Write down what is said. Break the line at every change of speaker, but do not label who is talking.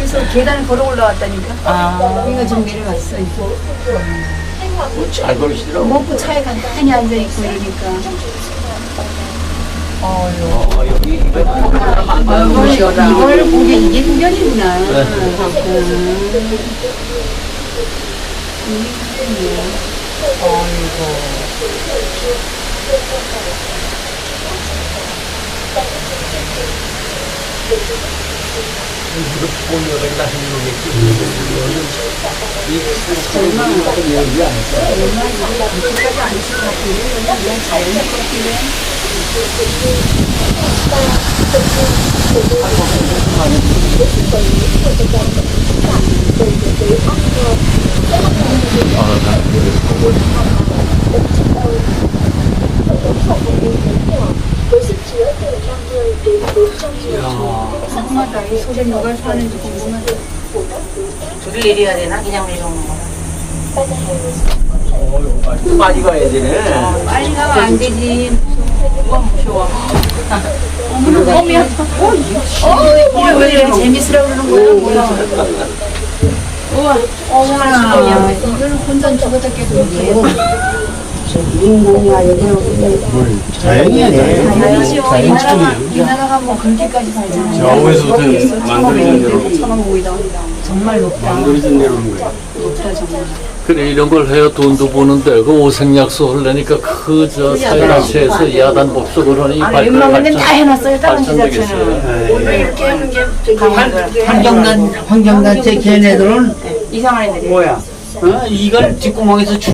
그래서 계단을 걸어 올라왔다니까.
아.
이거 지금 내려갔어.
잘 걸으시더라고.
먹고 차에 간단히 앉아있고 이러니까.
여기
이걸 보게 이게 훈련이구나.
무릎 보면은 나중에 이 사람이 여기 안 했어.
궁금하다. 이 속에 누가 사는지 궁금하다.
둘이 내려야 되나? 그냥 내려오는 거야.
많이 가야 되네.
빨리 가면 안 되지.
무서워.
어머나, 몸이 뭐야, 왜 이렇게 재밌으라고 그러는 거야? 뭐야. 우와, 어머나. 이거는 혼자 죽었다 깨도 못해.
자연이야,
자연이죠. 이 나라가 뭐 그렇게까지 살잖아요.
좌우에서부터 만들어진 대로
천원보이다. 정말 높다.
만들어진 대로 하는 거야.
높다, 정말.
그래 이런 걸 해야 돈도 버는데 그 오색약소 하려니까 그 저 사회단체에서 야단 법석을 하니
아니, 웬만한 데는 다 해놨어요. 다른 지자체는.
네.
이렇게 하는 게 저기
환경단체 걔네들은
이상한 애들이.
뭐야? 이걸 뒷구멍에서